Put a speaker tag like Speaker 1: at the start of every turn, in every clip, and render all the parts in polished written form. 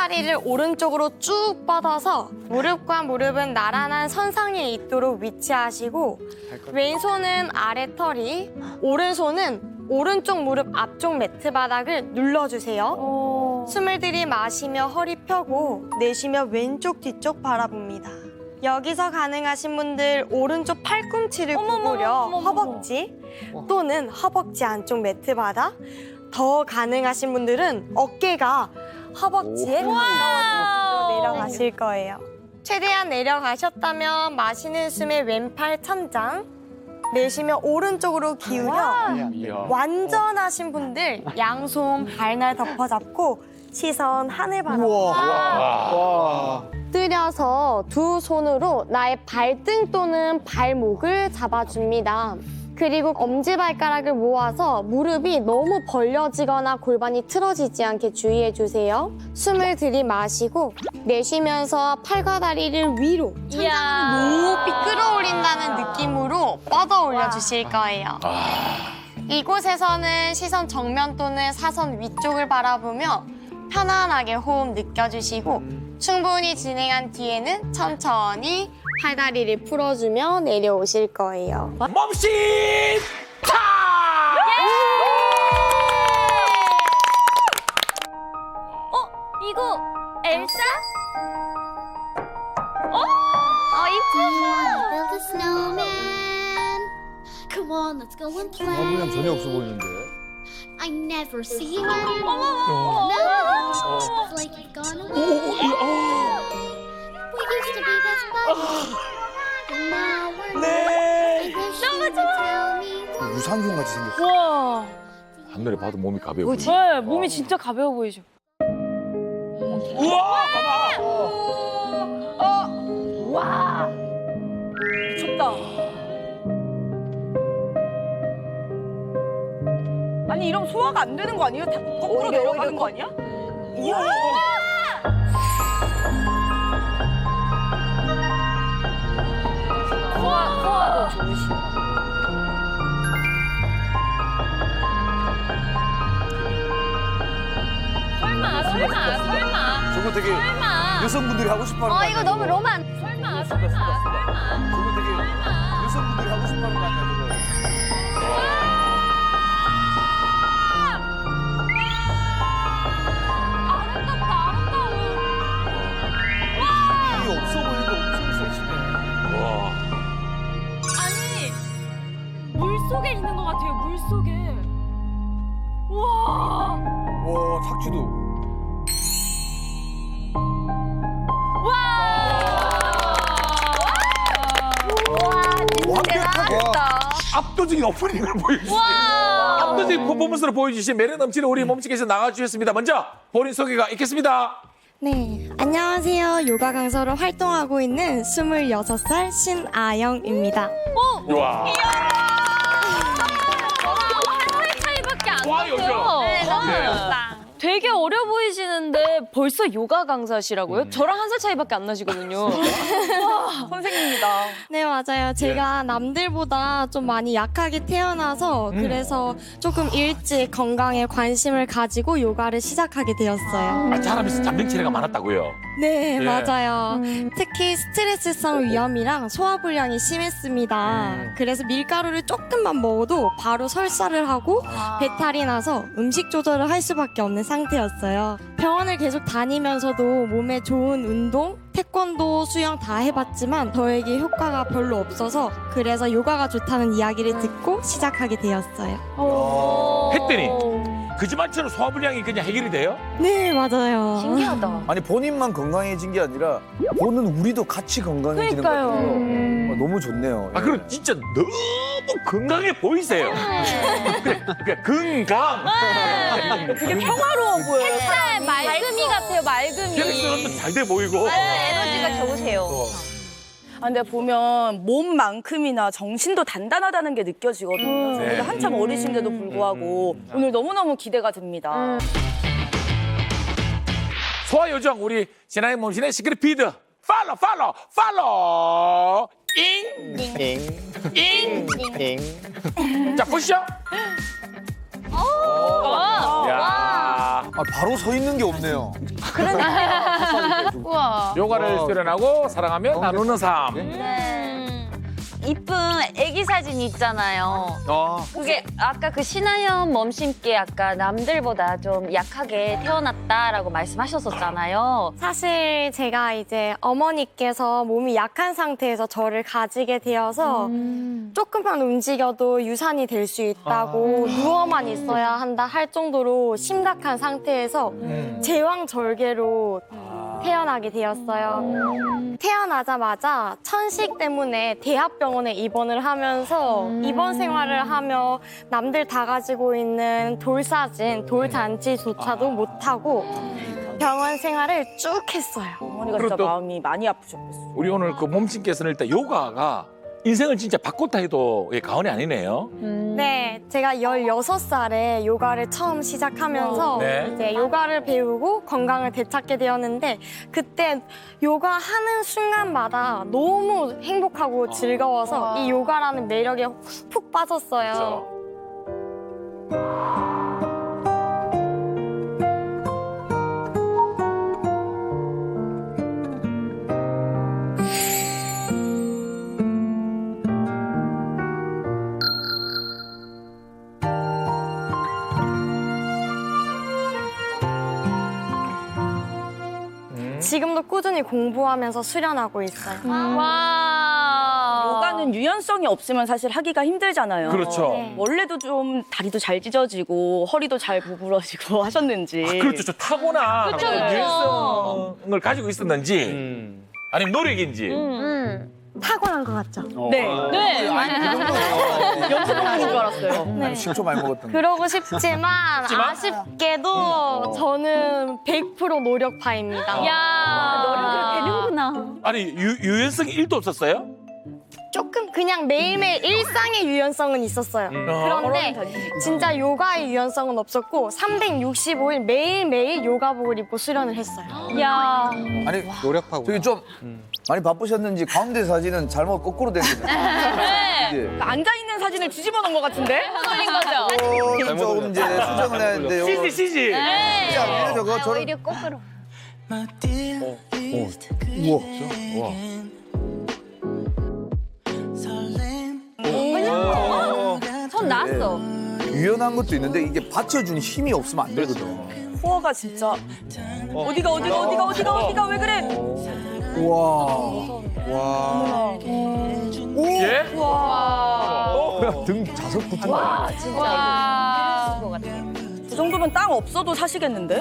Speaker 1: 팔다리를 오른쪽으로 쭉 뻗어서 무릎과 무릎은 나란한 선상에 있도록 위치하시고 왼손은 아래 털이, 오른손은 오른쪽 무릎 앞쪽 매트 바닥을 눌러주세요. 숨을 들이마시며 허리 펴고 내쉬며 왼쪽 뒤쪽 바라봅니다. 여기서 가능하신 분들 오른쪽 팔꿈치를 구부려 허벅지 또는 허벅지 안쪽 매트 바닥, 더 가능하신 분들은 어깨가 허벅지에 가까워지도록 내려가실 거예요. 최대한 내려가셨다면 마시는 숨에 왼팔 천장, 내쉬며 오른쪽으로 기울여 완전하신 분들 양손 발날 덮어잡고 시선 하늘 바라봅니다. 엎드려서 두 손으로 나의 발등 또는 발목을 잡아줍니다. 그리고 엄지발가락을 모아서 무릎이 너무 벌려지거나 골반이 틀어지지 않게 주의해주세요. 숨을 들이마시고 내쉬면서 팔과 다리를 위로 천장으로 높이 끌어올린다는 느낌으로 뻗어 올려주실 거예요. 이곳에서는 시선 정면 또는 사선 위쪽을 바라보며 편안하게 호흡 느껴주시고 충분히 진행한 뒤에는 천천히 팔다리를 풀어주며 내려오실 거예요.
Speaker 2: 몸짓 타!
Speaker 3: 이거 엘사?
Speaker 4: Build a snowman. Come on, let's go and play.
Speaker 5: 화분량 전혀 없어 보이는데.
Speaker 4: I never see you anymore. No, it's like you've gone away. We used to be best buddies, and now we're not. I wish you would tell me why.
Speaker 5: 유산균 같이 생겼어.
Speaker 3: 와.
Speaker 2: 한눈에 봐도 몸이 가벼워 보이지.
Speaker 3: 네, 몸이 진짜 가벼워 보이죠.
Speaker 2: 우와, 봐봐.
Speaker 3: 와. 미쳤다.
Speaker 6: 아니 이러면 소화가 안 되는 거 아니에요? 다 거꾸로 내려가는 거 아니야?
Speaker 3: 소화도 좋으시다. 설마.
Speaker 5: 저거 되게
Speaker 3: 설마.
Speaker 5: 여성분들이 하고 싶어하는 거 아니야?
Speaker 1: 이거 너무 로만.
Speaker 3: 설마.
Speaker 5: 저거 되게 여성분들이 하고 싶어하는 거 아니야, 저거? 이 없어 보이는데 엄청 섹시네.
Speaker 2: 와.
Speaker 3: 아니, 물속에 있는 것 같아요, 물속에. 우와.
Speaker 5: 와, 탁주도. 완벽하게
Speaker 2: 압도적인 오프닝을 보여주시네요. 압도적인 퍼포먼스로 보여주신 매력 넘치는 우리 몸치께서 나와주셨습니다. 먼저 본인 소개가 있겠습니다.
Speaker 1: 네, 안녕하세요. 요가 강사로 활동하고 있는 26살 신아영입니다.
Speaker 2: 와.
Speaker 3: 한 살 차이밖에 안
Speaker 2: 와,
Speaker 3: 나요.
Speaker 2: 여자.
Speaker 3: 네, 너무 어렵다. 되게 어려 보이시는데 벌써 요가 강사시라고요? 저랑 한 살 차이밖에 안 나시거든요.
Speaker 6: 선생님입니다.
Speaker 1: 네, 맞아요. 제가 남들보다 좀 많이 약하게 태어나서 그래서 조금 일찍 건강에 관심을 가지고 요가를 시작하게 되었어요.
Speaker 2: 아, 자라면서 잔병치레가 많았다고요?
Speaker 1: 네,
Speaker 2: 예.
Speaker 1: 맞아요. 특히 스트레스성 위염이랑 소화불량이 심했습니다. 그래서 밀가루를 조금만 먹어도 바로 설사를 하고 배탈이 나서 음식 조절을 할 수밖에 없는 상태였어요. 병원을 계속 다니면서도 몸에 좋은 운동, 태권도, 수영 다 해봤지만 저에게 효과가 별로 없어서 그래서 요가가 좋다는 이야기를 듣고 시작하게 되었어요.
Speaker 2: 했더니 거짓말처럼 소화불량이 그냥 해결이 돼요?
Speaker 1: 네, 맞아요.
Speaker 3: 신기하다.
Speaker 5: 아니, 본인만 건강해진 게 아니라 보는 우리도 같이 건강해지는 것
Speaker 3: 그러니까요.
Speaker 5: 같아요. 너무 좋네요.
Speaker 2: 아, 그럼 진짜 너무 건강해 보이세요. 그래, 건강.
Speaker 6: 되게 평화로워 보여요.
Speaker 3: 햇살 맑음이 같아요, 맑음이.
Speaker 2: 혈액순환도 잘 돼 보이고.
Speaker 3: 에너지가 좋으세요.
Speaker 6: 아, 근데 보면 몸만큼이나 정신도 단단하다는 게 느껴지거든요.
Speaker 2: 네.
Speaker 6: 저희가 한참 어리신데도 불구하고 오늘 너무너무 기대가 됩니다.
Speaker 2: 소화요정 우리 진아의 몸신의 시크릿 피드 팔로 잉. 자 보시죠. 야.
Speaker 5: 바로 서 있는 게 없네요.
Speaker 6: 우와.
Speaker 2: 요가를 수련하고 사랑하며 나누는 삶.
Speaker 3: 이쁜 애기 사진 있잖아요. 그게 아까 그 신하연 멈심께 아까 남들보다 좀 약하게 태어났다라고 말씀하셨었잖아요.
Speaker 1: 사실 제가 이제 어머니께서 몸이 약한 상태에서 저를 가지게 되어서 조금만 움직여도 유산이 될 수 있다고 누워만 있어야 한다 할 정도로 심각한 상태에서 제왕절개로 태어나게 되었어요. 태어나자마자 천식 때문에 대학병원에 입원을 하면서 입원 생활을 하며 남들 다 가지고 있는 돌사진, 돌잔치조차도 못하고 병원 생활을 쭉 했어요.
Speaker 6: 어머니가
Speaker 2: 그리고
Speaker 6: 진짜
Speaker 2: 또-
Speaker 6: 마음이 많이 아프셨겠어.
Speaker 2: 우리 오늘 그 몸친께서는 일단 요가가 인생을 진짜 바꿨다 해도 과언이 아니네요.
Speaker 1: 네, 제가 16살에 요가를 처음 시작하면서
Speaker 2: 네.
Speaker 1: 이제 요가를 배우고 건강을 되찾게 되었는데 그때 요가 하는 순간마다 너무 행복하고 즐거워서 이 요가라는 매력에 푹 빠졌어요. 지금도 꾸준히 공부하면서 수련하고 있어요.
Speaker 3: 와.
Speaker 6: 요가는 유연성이 없으면 사실 하기가 힘들잖아요.
Speaker 2: 그렇죠.
Speaker 1: 네.
Speaker 6: 원래도 좀 다리도 잘 찢어지고 허리도 잘 구부러지고 하셨는지.
Speaker 2: 그렇죠. 저 타고난
Speaker 3: 그쵸, 그쵸.
Speaker 2: 유연성을 가지고 있었는지 아니면 노력인지.
Speaker 1: 타고난 것 같죠?
Speaker 6: 네.
Speaker 3: 네.
Speaker 6: 연습하는 줄 알았어요.
Speaker 1: 네.
Speaker 5: 실초 많이 먹었던 거.
Speaker 1: 그러고 싶지만 아쉽게도 저는 100% 노력파입니다.
Speaker 3: 야. 노력을 되는구나.
Speaker 2: 아니 유연성이 1도 없었어요?
Speaker 1: 조금 그냥 매일매일 일상의 유연성은 있었어요. 그런데 진짜 요가의 유연성은 없었고 365일 매일매일 요가복을 입고 수련을 했어요.
Speaker 3: 야.
Speaker 5: 아니
Speaker 7: 노력하고.
Speaker 5: 저기 좀 많이 바쁘셨는지 가운데 사진은 잘못 거꾸로 됐는데. 네.
Speaker 6: 앉아있는 사진을 뒤집어 놓은 것 같은데?
Speaker 3: 걸린 거죠?
Speaker 5: 조금 이제 수정을 해야 되는데 요거
Speaker 2: CG.
Speaker 5: 쉽지 않네요 저거. 저런
Speaker 3: 오히려 거꾸로.
Speaker 5: 우와.
Speaker 3: 손 나왔어.
Speaker 5: 유연한 것도 있는데 이게 받쳐주는 힘이 없으면 안 되거든.
Speaker 6: 코어가 진짜 어디가 왜 그래?
Speaker 5: 우와.
Speaker 7: 와.
Speaker 2: 예?
Speaker 5: 등 자석 붙은 거 아니야?
Speaker 3: 진짜. 것 같아.
Speaker 6: 그 정도면 땅 없어도 사시겠는데?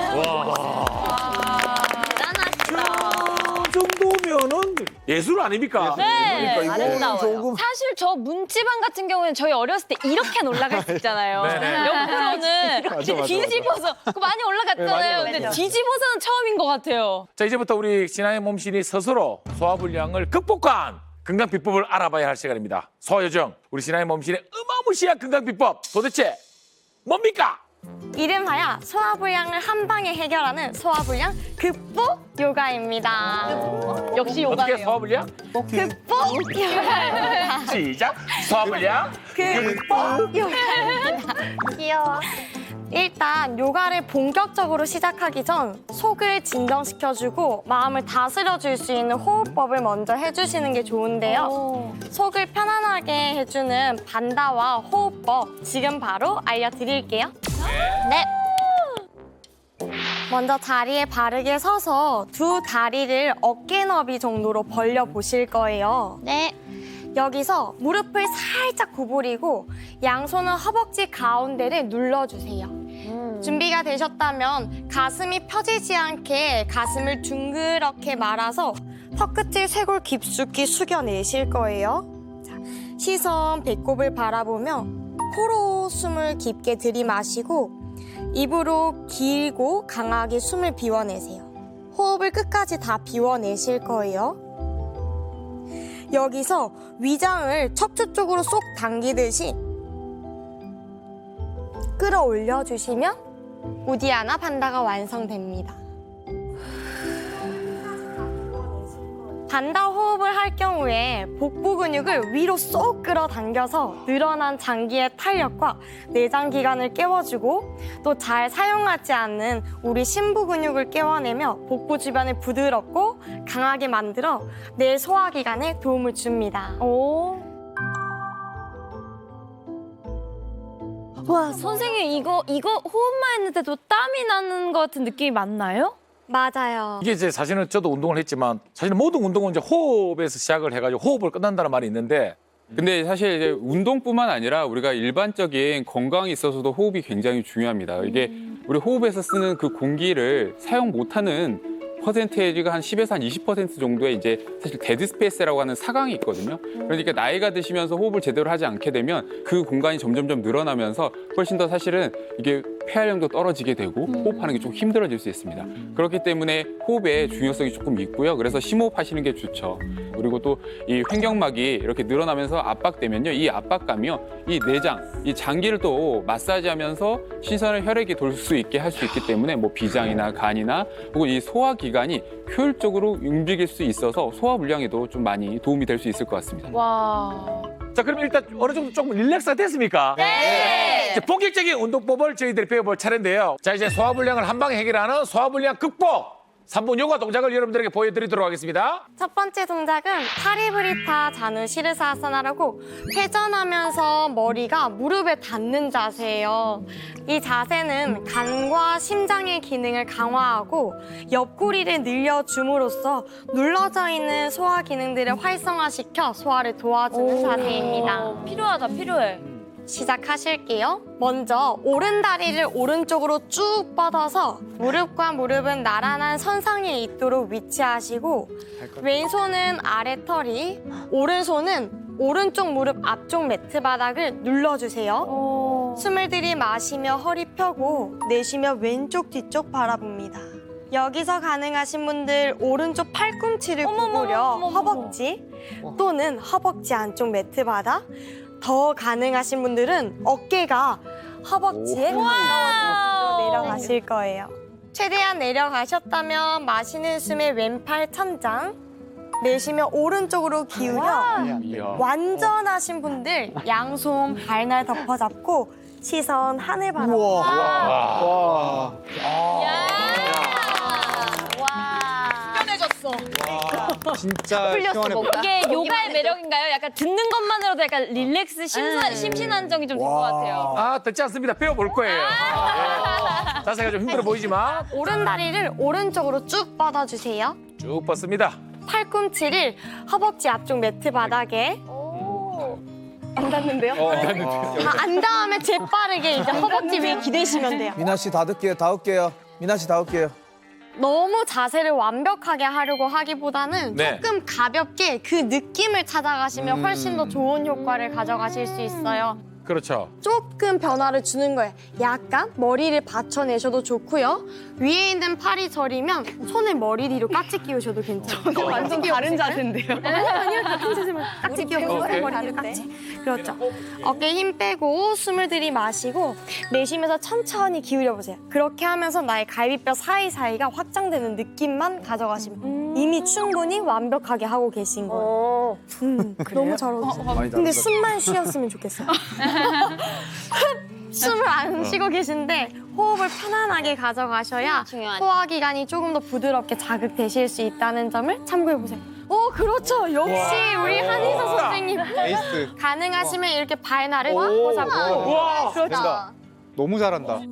Speaker 2: 그 정도면은 예술 아닙니까?
Speaker 3: 네.
Speaker 5: 그러니까 이거
Speaker 3: 아름다워요.
Speaker 5: 조금
Speaker 3: 사실 저 문지방 같은 경우에는 저희 어렸을 때 이렇게 올라갈 수 있잖아요.
Speaker 2: 네네.
Speaker 3: 옆으로는 뒤집어서 그거 많이 올라갔잖아요. 근데 뒤집어서는 처음인 것 같아요.
Speaker 2: 자 이제부터 우리 진아의 몸신이 스스로 소화불량을 극복한 건강 비법을 알아봐야 할 시간입니다. 소화요정 우리 진아의 몸신의 어마무시한 건강 비법 도대체 뭡니까?
Speaker 1: 이름하여 소화불량을 한 방에 해결하는 소화불량 극복 요가입니다.
Speaker 3: 역시
Speaker 2: 어떻게
Speaker 3: 요가네요.
Speaker 2: 소화불량?
Speaker 1: 극복 요가입니다.
Speaker 2: 시작. 소화불량
Speaker 1: 극복 요가입니다. 귀여워. 일단 요가를 본격적으로 시작하기 전 속을 진정시켜주고 마음을 다스려줄 수 있는 호흡법을 먼저 해주시는 게 좋은데요. 속을 편안하게 해주는 반다와 호흡법 지금 바로 알려드릴게요. 네. 먼저 자리에 바르게 서서 두 다리를 어깨 너비 정도로 벌려 보실 거예요. 네. 여기서 무릎을 살짝 구부리고 양손은 허벅지 가운데를 눌러주세요. 준비가 되셨다면 가슴이 펴지지 않게 가슴을 둥그렇게 말아서 턱끝을 쇄골 깊숙이 숙여내실 거예요. 자, 시선 배꼽을 바라보며 코로 숨을 깊게 들이마시고 입으로 길고 강하게 숨을 비워내세요. 호흡을 끝까지 다 비워내실 거예요. 여기서 위장을 척추 쪽으로 쏙 당기듯이 끌어올려 주시면 우디아나 반다가 완성됩니다. 반달 호흡을 할 경우에 복부 근육을 위로 쏙 끌어당겨서 늘어난 장기의 탄력과 내장 기관을 깨워주고 또 잘 사용하지 않는 우리 심부 근육을 깨워내며 복부 주변을 부드럽고 강하게 만들어 내 소화기관에 도움을 줍니다.
Speaker 3: 오. 와, 선생님 이거 호흡만 했는데도 땀이 나는 것 같은 느낌이 맞나요?
Speaker 1: 맞아요.
Speaker 2: 이게 이제 사실은 저도 운동을 했지만 사실 모든 운동은 이제 호흡에서 시작을 해가지고 호흡을 끝난다는 말이 있는데
Speaker 7: 근데 사실 이제 운동뿐만 아니라 우리가 일반적인 건강에 있어서도 호흡이 굉장히 중요합니다. 이게 우리 호흡에서 쓰는 그 공기를 사용 못하는 퍼센테이지가 한 10에서 한 20% 정도의 이제 사실 데드 스페이스라고 하는 사강이 있거든요. 그러니까 나이가 드시면서 호흡을 제대로 하지 않게 되면 그 공간이 점점점 늘어나면서 훨씬 더 사실은 이게 폐활량도 떨어지게 되고 호흡하는 게 좀 힘들어질 수 있습니다. 그렇기 때문에 호흡의 중요성이 조금 있고요. 그래서 심호흡 하시는 게 좋죠. 그리고 또 이 횡격막이 이렇게 늘어나면서 압박되면요. 이 압박감이요. 이 내장, 이 장기를 또 마사지하면서 신선한 혈액이 돌 수 있게 할 수 있기 때문에 뭐 비장이나 간이나 혹은 이 소화기관이 효율적으로 움직일 수 있어서 소화불량에도 좀 많이 도움이 될 수 있을 것 같습니다.
Speaker 3: 와.
Speaker 2: 자 그럼 일단 어느 정도 조금 릴렉스가 됐습니까? 네. 이제 본격적인 운동법을 저희들이 배워볼 차례인데요. 자 이제 소화불량을 한 방에 해결하는 소화불량 극복 3분 요가 동작을 여러분들에게 보여드리도록 하겠습니다.
Speaker 1: 첫 번째 동작은 파리브리타 자누 시르사아사나라고 회전하면서 머리가 무릎에 닿는 자세예요. 이 자세는 간과 심장의 기능을 강화하고 옆구리를 늘려줌으로써 눌러져 있는 소화 기능들을 활성화시켜 소화를 도와주는 자세입니다.
Speaker 3: 필요하다, 필요해.
Speaker 1: 시작하실게요. 먼저 오른 다리를 오른쪽으로 쭉 뻗어서 무릎과 무릎은 나란한 선상에 있도록 위치하시고 왼손은 아래 털이, 오른손은 오른쪽 무릎 앞쪽 매트 바닥을 눌러주세요. 숨을 들이마시며 허리 펴고 내쉬며 왼쪽 뒤쪽 바라봅니다. 여기서 가능하신 분들 오른쪽 팔꿈치를 구부려 허벅지 또는 허벅지 안쪽 매트 바닥, 더 가능하신 분들은 어깨가 허벅지에 가까워지도록 내려가실 거예요. 최대한 내려가셨다면 마시는 숨에 왼팔 천장, 내쉬며 오른쪽으로 기울여
Speaker 2: 이야.
Speaker 1: 완전하신 분들 양손 발날 덮어잡고 시선 하늘 바라보고
Speaker 5: 와.
Speaker 8: 진짜 시원해 보여.
Speaker 3: 이게 요가의 매력인가요? 약간 듣는 것만으로도 약간 릴렉스, 심신안정이 좀 된 것 같아요.
Speaker 2: 아 듣지 않습니다. 배워볼 거예요. 네. 자세가 좀 힘들어 보이지만
Speaker 1: 오른 다리를 오른쪽으로 쭉 뻗어주세요.
Speaker 2: 쭉 뻗습니다.
Speaker 1: 팔꿈치를 허벅지 앞쪽 매트 바닥에 안 닿는데요? 안 닿으면 재빠르게 이제 허벅지 위에 기대시면 돼요.
Speaker 5: 미나 씨 닿을게요. 미나 씨 닿을게요.
Speaker 1: 너무 자세를 완벽하게 하려고 하기보다는
Speaker 2: 네.
Speaker 1: 조금 가볍게 그 느낌을 찾아가시면 훨씬 더 좋은 효과를 가져가실 수 있어요.
Speaker 2: 그렇죠.
Speaker 1: 조금 변화를 주는 거예요. 약간 머리를 받쳐내셔도 좋고요. 위에 있는 팔이 저리면 손을 머리 뒤로 깍지 끼우셔도 괜찮아요.
Speaker 6: 완전 다른 자세인데요.
Speaker 1: 아니요, 같은 자세만 깍지 끼워보세요. 머리 뒤로 깍지. 그렇죠. 어깨에 힘 빼고 숨을 들이마시고 내쉬면서 천천히 기울여보세요. 그렇게 하면서 나의 갈비뼈 사이사이가 확장되는 느낌만 가져가시면 이미 충분히 완벽하게 하고 계신 거예요. 너무 잘하셨어요.
Speaker 5: 많이
Speaker 1: 근데
Speaker 5: 닿았다.
Speaker 1: 숨만 쉬었으면 좋겠어요. 숨을 안 쉬고 계신데 호흡을 편안하게 가져가셔야
Speaker 3: 중요하죠.
Speaker 1: 소화기관이 조금 더 부드럽게 자극되실 수 있다는 점을 참고해보세요. 오, 그렇죠. 역시 우리 한희서 선생님.
Speaker 8: 에이스.
Speaker 1: 가능하시면 이렇게 발날을 꽉 잡고.
Speaker 2: 와.
Speaker 8: 된다. 너무 잘한다.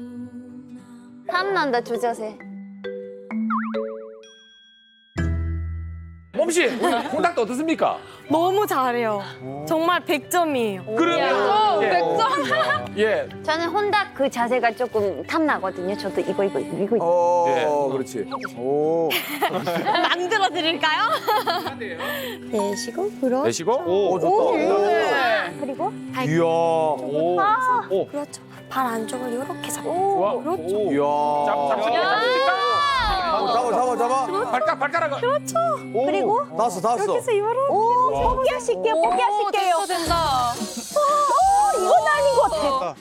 Speaker 3: 탐난다, 두 자세.
Speaker 2: 몸씨 우리 홍닥도 어떻습니까?
Speaker 1: 너무 잘해요. 정말 100점이에요.
Speaker 2: 그러면 100점. 예.
Speaker 9: 저는 혼다 그 자세가 조금 탐나거든요. 저도 이거.
Speaker 5: 어, 그렇지. 오.
Speaker 1: 만들어 드릴까요? 내쉬고, 그렇죠.
Speaker 2: 내쉬고.
Speaker 5: 오, 좋다.
Speaker 9: 그리고
Speaker 5: 이야.
Speaker 2: 오.
Speaker 1: 그렇죠. 발 안쪽을 이렇게 잡고.
Speaker 2: 좋아.
Speaker 1: 그렇죠.
Speaker 5: 이야. 잡아.
Speaker 2: 발가락을.
Speaker 5: 그리고 닿았어.
Speaker 1: 그래서 이거로.
Speaker 9: 포기하실게요.
Speaker 3: 된다.
Speaker 9: 이거 나 아닌 것 같아.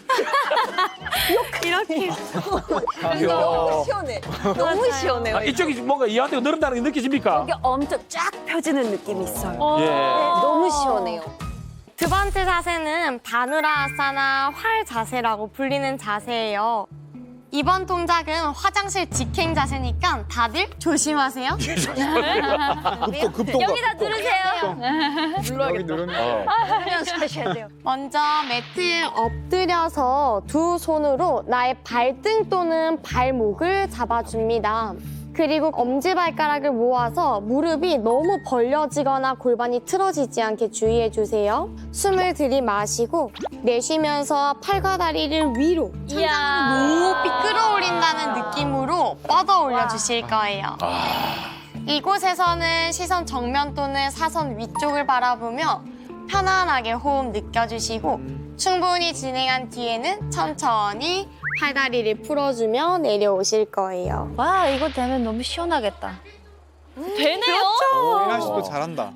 Speaker 1: 이렇게.
Speaker 9: 너무 시원해. 너무 시원해요.
Speaker 2: 아, 이쪽이 뭔가 이한테 늘은다는 게 느껴집니까?
Speaker 9: 이게 엄청 쫙 펴지는 느낌이 있어요.
Speaker 2: 예.
Speaker 9: 너무 시원해요.
Speaker 1: 두 번째 자세는 바누라아사나 활 자세라고 불리는 자세예요. 이번 동작은 화장실 직행 자세니까 다들 조심하세요.
Speaker 8: 급동.
Speaker 3: 여기다 누르세요.
Speaker 8: 여기 누르면.
Speaker 9: 하셔야 돼요.
Speaker 1: 먼저 매트에 엎드려서 두 손으로 나의 발등 또는 발목을 잡아줍니다. 그리고 엄지발가락을 모아서 무릎이 너무 벌려지거나 골반이 틀어지지 않게 주의해주세요. 숨을 들이마시고 내쉬면서 팔과 다리를 위로 천장으로 높이 끌어올린다는 느낌으로 뻗어 올려주실 거예요. 이곳에서는 시선 정면 또는 사선 위쪽을 바라보며 편안하게 호흡 느껴주시고 충분히 진행한 뒤에는 천천히 팔다리를 풀어주며 내려오실 거예요.
Speaker 3: 와, 이거 되면 너무 시원하겠다. 되네요.
Speaker 8: 이나 씨도 잘한다.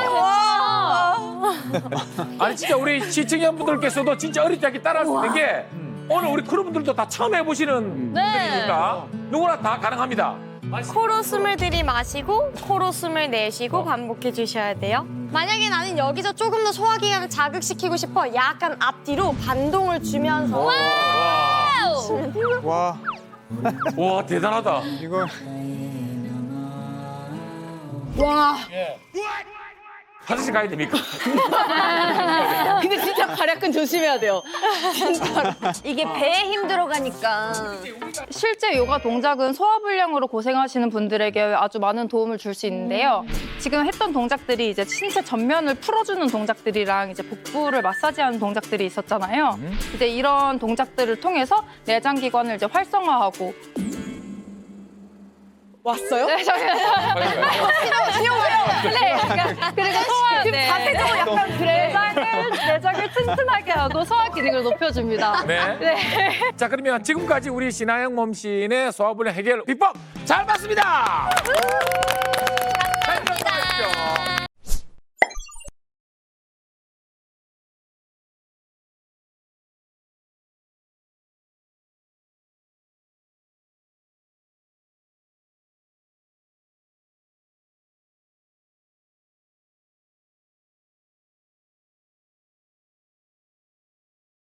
Speaker 2: 아니 진짜 우리 시청자분들께서도 진짜 어릴 때 따라할 수 있는 게 오늘 우리 크루분들도 다 처음 해보시는 분들이니까 누구나 다 가능합니다.
Speaker 1: 코로 숨을 들이마시고 코로 숨을 내쉬고 반복해 주셔야 돼요. 만약에 나는 여기서 조금 더 소화기관을 자극시키고 싶어 약간 앞뒤로 반동을 주면서
Speaker 8: 와,
Speaker 2: 와 대단하다.
Speaker 8: 이거
Speaker 1: 와
Speaker 2: 화장실 가야 됩니까?
Speaker 6: 근데 진짜 발약근 조심해야 돼요.
Speaker 9: 이게 배에 힘 들어가니까.
Speaker 10: 실제 요가 동작은 소화불량으로 고생하시는 분들에게 아주 많은 도움을 줄 수 있는데요. 지금 했던 동작들이 이제 신체 전면을 풀어주는 동작들이랑 이제 복부를 마사지하는 동작들이 있었잖아요. 이제 이런 동작들을 통해서 내장기관을 이제 활성화하고
Speaker 6: 왔어요?
Speaker 10: 네, 저희 네, 그리고 소화
Speaker 6: 자세적으로 약간 그래.
Speaker 10: 내장을 튼튼하게 하고 소화 기능을 높여줍니다.
Speaker 2: 네.
Speaker 10: 네.
Speaker 2: 자 그러면 지금까지 우리 신하영 몸신의 소화불량 해결 비법 잘 봤습니다.